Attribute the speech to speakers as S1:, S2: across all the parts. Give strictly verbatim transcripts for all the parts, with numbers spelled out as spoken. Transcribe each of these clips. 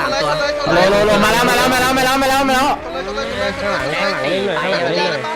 S1: โลโลโลมาแล้วมาแล้วมาแล้วมาแล้วมาแล้วมาแล้ว
S2: ข้างหลังข้างหลังเล่นเลยข้างหลังเล่นเลย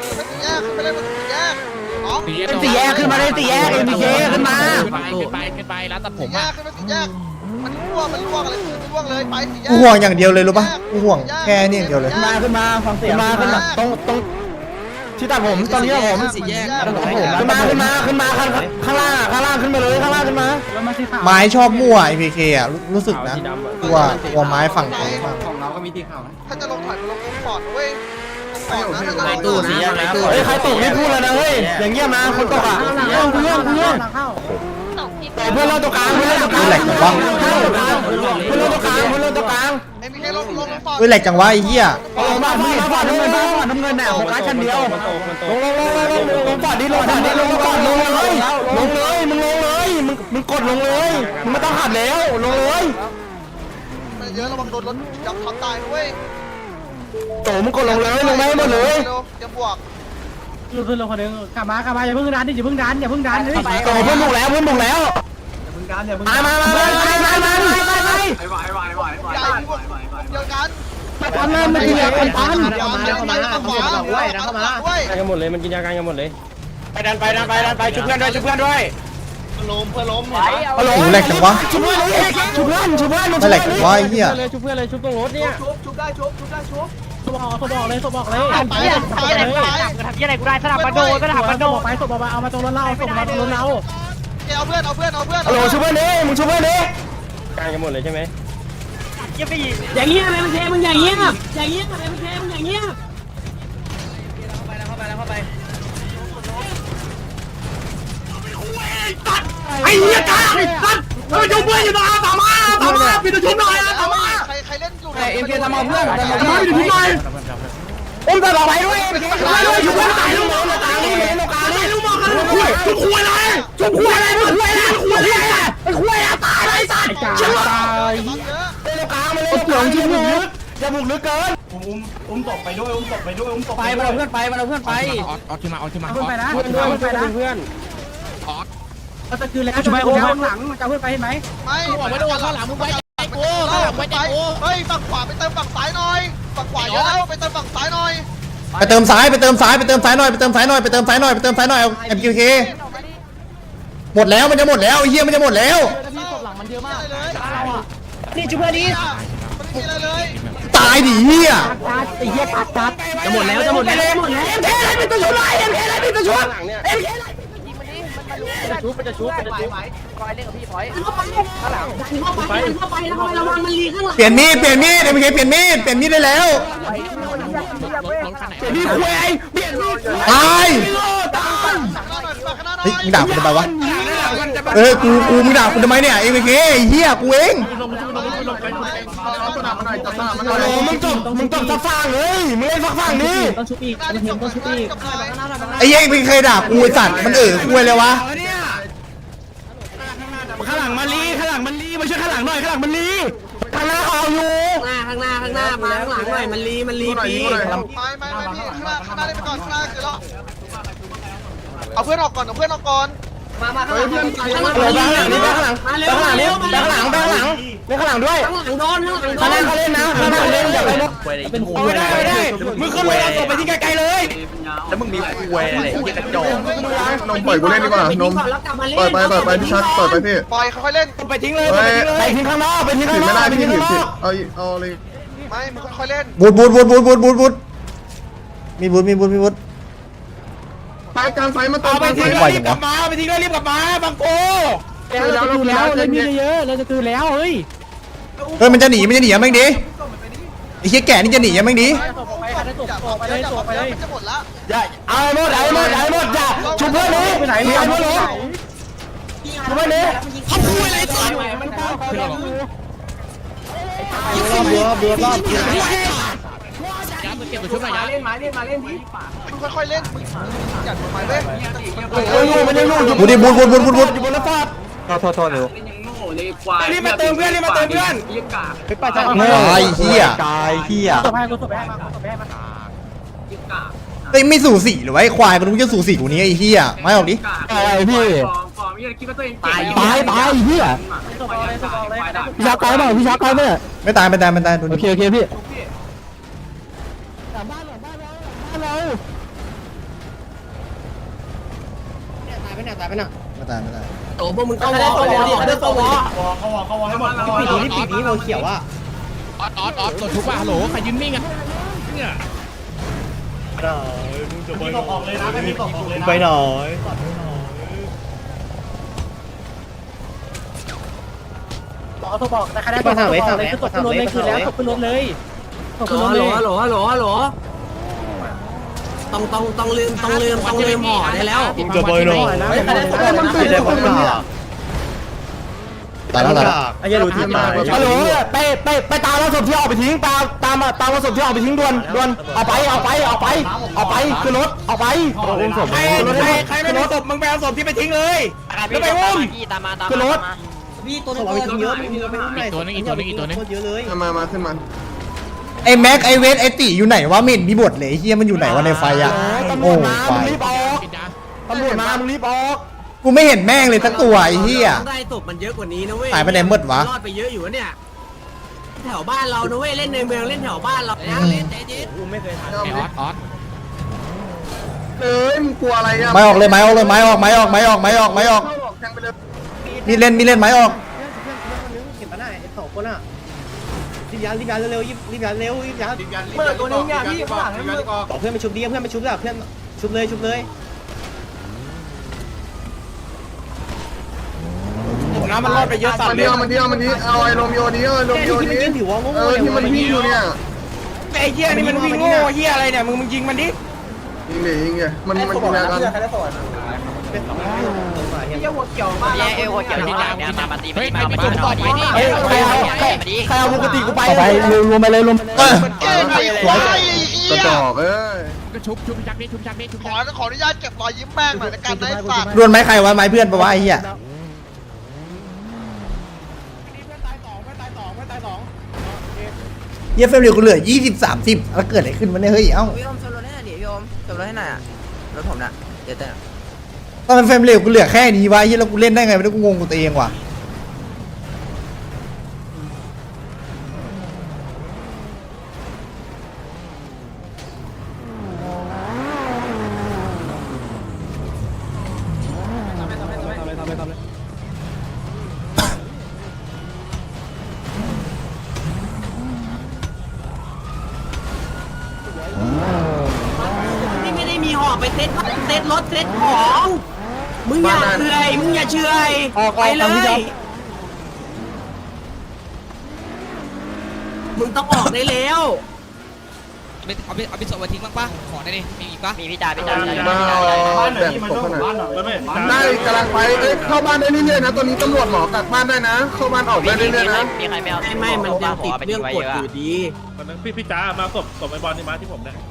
S1: เป็นสี่แยกขึ้นมาเลยสี่แยกเอ็มพีเคขึ้นมา
S3: ขึ้นไปขึ้นไปร้านตัดผม
S4: แย
S3: อ่ะ
S4: กขึ้นมาสี่แยกมันล่วงมันล่วงอะไรมันล่วงเลยไปสี่แยก
S5: กูห่วงอย่างเดียวเลยรู้ปะกูห่วงแค่นี้อย่างเดียวเลย
S1: ขึ้นมาขึ้นมาฟังเสียงมาขึ้นมาตรงตรงที่ตัดผมตอนนี้ผม
S4: สี่แยก
S1: ขึ้นมาขึ้นมาขึ้นมาข้างข้างล่างข้างล่างขึ้นมาเลยข้างล่างขึ้นมา
S5: ไม้ชอบมั่วไอพีเคอ่ะรู้สึกนะกลัวกลัวไม้ฝั่งตรงมาก
S4: ของเราก็มีที่ข่าวถ้าจะลงถอยลงลงปอดเว้ยปอดนะถ้าจะลง
S1: ตู้สีแยกในตู้เฮ้ยใครตกนี่พูดแล้วนะเฮ้ยอย่างเงี้ยมาคนตกอ่ะเรื่องเรื่องเรื่องแต่เพื่อนเราตัวกลางเพื่อนเราตัวกลาง
S5: แหลกจังวะ
S1: เพื่อนเราตัวกลางเพื่อนเราตัวกลางเพื่อนเราตัวกลาง
S4: เอ็มพีเคลงลงลงปอด
S5: เฮ้ยแหลกจังวะไอ้เหี้ย
S1: ลงมาพี่มาน้ำเงินมาน้ำเงินน่ะโฟกัสชั้นเดียวลงลงลงลงลงลงปอดดิลงปอดดิลงปอดลงเลยลงเลยมึงลงเลยมึงมึงกดลงเลยมึงไม่ต้องหัดแล้วลงเลย
S4: มันเยอะระวังโดนรถยับทับตายเว้ย
S1: โตมึงกดลงเลยลงไม่หมดเลย
S4: เตรียมบวก
S6: ขึ้นลงคนนึงกลับมากลับมาอย่าเพิ่งดันดิอย่าเพิ่งดันอย่าเพิ่งดันเฮ้ย
S1: โตเพื่อนบุกแล้วเพื่อนบุกแล้วมามามามามามามามา
S4: ใหญ่บวกเดียวกัน
S1: ทำเลยมันเดียวกันทัน
S4: เดี๋ยวมาเดี๋ยวมาเดี๋ยวมาเว้ยเดี๋ยวมาเว้ย
S2: กันหมดเลยมันกินยากันกันหมดเลย
S1: ไปดันไปดันไปดันไปชุบเพื่อนด้วยชุบเพื่อนด้วย
S4: ล้มเพื่อล้ม
S5: โอ้โหแหลกจังวะ
S1: ชุบเพื่อนชุบเพื่อนชุบเพื่อน
S5: ไม่แหลกจังวะไอ้เหี้ย
S2: เลยชุบเพื่อนเลยชุบตรงรถเนี่ย
S6: สบออกสบออกเลยสบออกเลย
S4: ไปไปไป
S6: ทำยังไงกูได้สลับมาโดนก็ทำมาโดนไปสบออกมาเอามาตรงรถเราส่งมาตรงรถเรา
S4: เอาเพื่อนเอาเพื่อนเอาเพื่อน
S1: ฮัลโหลชุบเพื่อนดิมึงชุบเพื่อนดิ
S2: กันกันหมดเลยใช่ไหม
S6: อย่างเงี้ยอะไรมันเทมึงอย่างเงี้ยอย่างเงี้ยอะไรมันเทมึงอย่างเงี้ย
S1: ไอ้เหี้ยกาไอ้สัตว์มาชุบเพื่อนอยู่มาตามมาตามมาปิดชุบหน่อยตามมา
S4: ใครใครเล่นอยู่
S1: เอ็มเคทำเอาเพื่อนทำเอาเพื่อนปิดชุบหน่อยอุ้มตลอดไปด้วยไปด้วยชุบเพื่อนตายลูกน้องตายลูกน้องตายลูกน้องกันชุบคุยชุบคุยอะไรชุบคุยอะไรมึงคุยอะไรคุยอะไรไอ้คุยอะตายไอ้สัตว์เชื่อตายเล่นกลางมาเลยหลงชุบบุกลึกอย่าบุกลึกเกิน
S3: ไปมาเอาเพื่อนไปมาเอาเพื่อนไปออกออกขึ้นมาออกขึ้นมา
S6: เพื่อนไปนะ
S2: เพื่อน
S6: เพื่
S2: เพื่
S6: อ
S2: อน
S6: นไปนะ
S2: เพื่อน
S6: เราจะคืนแล้วจะไปโอ้ข้างหลังจะเพื่อนไปเห็นไหม
S4: ไม่บอกไม่โดนข้างหลังมึงไว้ใจกูข้างหลังไว้ใจกูเฮ้ยฝั่งขวาไปเติมฝั่งซ้ายหน่อยฝั่งขวาเยอะแล้วไปเติมฝั่งซ้ายหน่อย
S5: ไปเติมซ้ายไปเติมซ้ายไปเติมซ้ายหน่อยไปเติมซ้ายหน่อยไปเติมซ้ายหน่อยไปเติมซ้ายหน่อยเอ็มเคหมดแล้วมันจะหมดแล้วไอ้เหี้ยมันจะหมดแล้ว
S6: นี่จุ๊บเพื่อนดิ
S4: มันมีอะไรเลย
S5: ตายดิเหี้ย
S6: ตัดไอ้เหี้ยตัดตัดจะหมดแล้วจะหมดแล้วหมดแล้ว
S1: เอ็มเคอะไรเป็นตัวชุบไรเอ็มเคอะไรเป็นตัวชุบเอ็มเค
S2: จะชุบจะชุบจะชุบ
S6: เข้าไปเข้าไปเข้าไประวังมันลีข้างหลัง
S5: เปลี่ยนมีดเปลี่ยนมีดเอ็มเคเปลี่ยนมีดเปลี่ยนมีดได้แล้ว
S3: รถคันไหน
S1: เปลี่ยนมีดคุยเปลี่ยนมีด
S5: ตาย
S1: ตาย
S4: ข้างหน้าหน่อยข้างหน้าหน่อย
S5: เฮ้ยมึงด่ากูทำไมวะเออกูกูมึงด่ากูทำไมเนี่ยเอ็มเคไอ้เหี้ยกูเอง
S1: โอ้มึงจบมึงจบสักฝั่งเลยมึงเล่นสักฝั่งนี้
S6: ต้องชุบอีกต้องเห็นต้องชุบอีก
S5: ไอ้เหี้ยมึงเคยด่ากูไอ้สัตว์มันเออคุยเลยวะ
S1: ข้างหลังมันลีข้างหลังมันลีมาช่วยข้างหลังหน่อยข้างหลังมันลีข้างหน้าเขาเอาอยู่
S6: ข้างหน้าข้างหน้าข้างหน้ามาข้างหลังหน่อยมันลีมันลีปี
S4: ไม่ไม่ไม่พี่ข้างหน้าข้างหน้าเล่นไปก่อนข้างหน้าคือแล้วเอาเพื่อนออกก่อนเอาเพื่อนออกก่อน
S6: มามาข้างหลังข้างหลัง
S1: เดี๋ยวข้างหลังนี่ข้างหลัง
S6: มาเร็ว
S1: ข้างหลังนี่
S6: มาเร็ว
S1: ข้างหลังข้างหลังนี่ข้างหลังด้วย
S6: ข้างหลังโดนข้างหลังโด
S1: ข้างหน้า
S6: น
S1: เขาเล่นนะข้างหน้าเล่นอย่าไปลุกเอาไม่ได้ไม่ได้มึงขึ้นรถเอาศพไปที่ไกลๆเลย
S3: แล้วมึงมีคุยอะไรที่กระจก
S7: นมปล่อยกูเล่นดีกว่านมปล่อยไปปล่อยไปพี่ชักปล่อยไปพี่
S4: ปล่อยค่อยๆเล่น
S1: ไปทิ้งเลยไปทิ้งข้างนอกไปทิ้ง
S7: ถื
S1: ข้าง
S7: อน
S1: อ
S7: ไม่
S1: ก
S7: ได้
S1: ไป
S7: พี่
S1: ทิ้ง
S7: ถื
S1: ข้า
S7: อง
S1: นอก
S7: เอาเอาเลย
S4: ไม่มึงค่อยๆเล่น
S5: บูดบูดบูดบูดบูดบูดบูดมีบูดมีบูดมีบูด
S7: ไปการไฟมาเติ
S1: เอา
S7: ม
S1: ไป
S7: การไฟ
S1: ทิ้งเลยรีบกลับมาไปทิ้งเลยรีบกลับมาบังโก
S6: เราจะคืนแล้วเลยมีเยอะเราจะคืนแล้วเฮ้ย
S5: เฮ้ยมันจะหนีมันจะหนียังไงดิไอ้เหี้ยแก่นี่จะหนียังไงดิ
S6: ไปไปเลยตกไปเลยตกไปเลย
S4: มันจะหมดละ
S1: อย่าเอาหมดเอาหมดเอาหมดอย่าชุบเพื่อนเลยไปไหนเอาเพื่อนเลยชุบเพื่อนเลยเขาพูดอะไรก่อน
S6: มันเข้าเขา
S3: ย้ำเก็บตัวชุบหน่อยย้ำ
S4: มึงค่อยๆเล่นมึงอย่าทำไมเว้ย
S1: โอ้ยมันยังลูกอยู่
S5: บูดดิบูดบูดบูดบูดบูด
S1: อยู่บนรถฟอด
S5: โทษโทษเร็ว
S1: รีบมาเติมเพื่อนรีบมาเติมเพื่อน
S5: ตายเหี้ยตายเหี้ย
S6: ตบให้กูตบให้มาตบให้มา
S5: เฮ้ยไม่สู่สีหรือวะไอ้ควายมันมึงจะสู่สีกูนี้ไอ้เหี้ยไม่ออกดิ
S1: อะไรพี่ตายตายตายเหี้ย
S6: ตบเลยตบเลย
S1: พี่ชักไกลเปล่าพี่ชักไกลเปล่า
S5: ไม่ตายไม่ตายไม่ตายโอเคโอเคพี่
S1: ตายไปเนี่ยตายไปเนี่ย
S5: ไม่ตายไม่ตาย
S6: โอ้พวกมึงเข้าวอเข้าวอเข้าวอ
S3: เขาวอเขาวอให้หมดเขาวอ
S1: ปีนี้ปีนี้เราเขียวอ่ะ
S8: ออดออดออดกดทุกว่าฮัลโหลใครยืนนิ่งอ่ะเนี่ย
S3: พี่ตกออกเลยนะให้พี่ตกออกเลยนะ
S1: ไปหน่อย
S6: บอกเขาบอกแต่ใครได้
S1: ไปทางไหนทางไหน
S6: คือตกขึ้นรถเลยคือแล้วตกขึ้นรถเลยตกขึ้นรถเลยฮัลโหลฮัลโหลฮัลโหลต้องต้องต้องลืมต้องลืมต้องลืมห่อได้แล้ว
S8: จะไปหน่อย
S1: ไม่ได้มันตื่นเลยผมเนี่ย
S5: ตายแล้วตายแล้ว
S1: ไอ้ยันรู้ที่มาฮัลโหลไปไปไปตามรถศพที่ออกไปทิ้งตามตามตามรถศพที่ออกไปทิ้งด่วนด่วนเอาไปเอาไปเอาไปเอาไปคือรถเอาไปอุ้มศพใครใครไม่รู้ศพมึงไปเอาศพที่ไปทิ้งเลยแล้วไปอุ้ม
S2: ตามมาตาม
S1: คือรถ
S6: พี่ตัวนึงเยอะมีไปอุ้มหน่อย
S8: ตัวนึงอีกตัวนึงอีกตัวนึง
S6: เยอะเลย
S7: มามาขึ้นมา
S5: ไอ้แม็กไอ้เวทไอ้ติอยู่ไหนวะไม่เห็นมีบทเลยไอ้เฮียมันอยู่ไหนวะในไฟอ่ะ
S1: ตำร
S5: โอ้
S1: วจมา
S5: ไฟ
S1: มึงรีบออกตำรวจมามึงรีบออก
S5: กูไม่เห็นแม่งเลยสักตัวไอ้เฮีย
S6: ได้ศพมันเยอะกว่านี้นะเว้ย
S5: หายไปไหนหมดวะ
S6: รอดไปเยอะอยู่เนี่ยแถวบ้านเรานะเว้ยเล่นในเมืองเล่นแถวบ้านเรานะเล่นใจเย็น
S8: ไอออดออด
S7: เอ้ยมึงกลัวอะไรอ่ะ
S5: ไม้ออกเลยไม้ออกเลยไม้ออกไม้ออกไม้ออกไม้ออกไม้ออก
S7: แทงไปเลย
S5: มีเล่นมีเล่นไม้ออก
S1: เห็นปะน่ะไอ้สองคนอ่ะรีบยันรีบยันเร็วๆรีบยันเร็วรีบยัน
S3: เปิดตัวนึงเนี่ยพี่ข้างหลังให้มึง
S1: บอกเพื่อนไปชุบดิเพื่อนไปชุบแล้วเพื่อนชุบเลยชุบเลยน้ำมันรอดไปเยอะสัต
S7: มัน
S1: ว์เล
S7: เดี
S1: ย
S7: ยวมันเดียวมันนี้เอาไอ้โรมิโอนี้เอาไอ้โรมิโอ
S1: ที่มัน
S7: นี้
S1: กินผิวว่าโง่
S7: เออที่มันวิ่งอยู่เนี่ย
S1: ไอ้เหี้ยนี่มันวิ่งโง่เหี้ยอะไรเนี่ยมึงมึงยิงมันดิ
S7: ยิงเลยยิงเลยมันมันกินยากัน
S6: เยี่ยหัวเกี่ยวมาก
S2: เอวเกี่ยวที่ดาวเนี่ยมามาตี
S8: เฮ้ย
S2: มา
S8: ใคร
S2: มา
S8: ไป
S2: ตี
S8: จุ่มต่อดีนี่
S1: เฮ้ยใครเอาใครใครเอาปกติกูไป
S5: ไปรวมไปเลยรวมเออ
S4: เก่งไอ้ควายไอ้เหี้
S7: กระ
S4: ย
S7: จอกเอ้ย
S8: ก็ชุบชุบจักนี่ชุบจักนี่ชุบ
S4: ข
S8: จั
S4: อก ขออนุญาตเก็บรอยยิ้มแม่งหน่อยในการได้สัตว์
S5: รวนไม้ใครวะไม้เพื่อนปะวะไอ้เหี้ยเหี้ยเฟรมเร็วกูเหลือยี่สิบสามสิบแล้วเกิดอะไรขึ้นวะเนี่ยเฮ้ยเอ้า
S6: พี่อมชนรถให้หน่อยดิพี่อมชนรถให้หน่อยอ่ะรถผมน่ะเดี๋ยวแต่
S5: ตอนเฟรมเร็วกูเหลือแค่นี้วะไอ้เหี้ยแล้วกูเล่นได้ไงไม่รู้กูงงกูตัวเองว่ะ
S6: นี่ไม่ได้มีห่อไปเซ็ตเซ็ตรถเซ็ตของมึงอย่าเฉยมึงอย่าเฉยไปเลยมึงต้องออกได้แล้ว
S8: เอาไปเอาไปส่งมาทิ้งบ้างปะขอได้ดิมีอีกปะ
S2: มีพี่จ่าพี่จ่า
S7: มาเอา
S3: บ้านไหน
S7: แบ่ง
S3: ที่มัน
S7: ศพ
S3: ต้อง
S7: ขนาด
S3: บ้านหน่อยไม่
S7: ได้กำลังไปเอ้ยเข้าบ้านได้เรื่อยๆนะตอนนี้ตำรวจหมอกักบ้านได้นะ เข้าบ้านออกได้เรื่อยๆนะ
S2: มีใครไม่เอา
S6: ไม่ไม่มันยังติดเรื่องกฎอยู่ดี
S3: พี่พี่จ้ามาศพศพไอ้บอลนี่มาที่ผมเนี่ย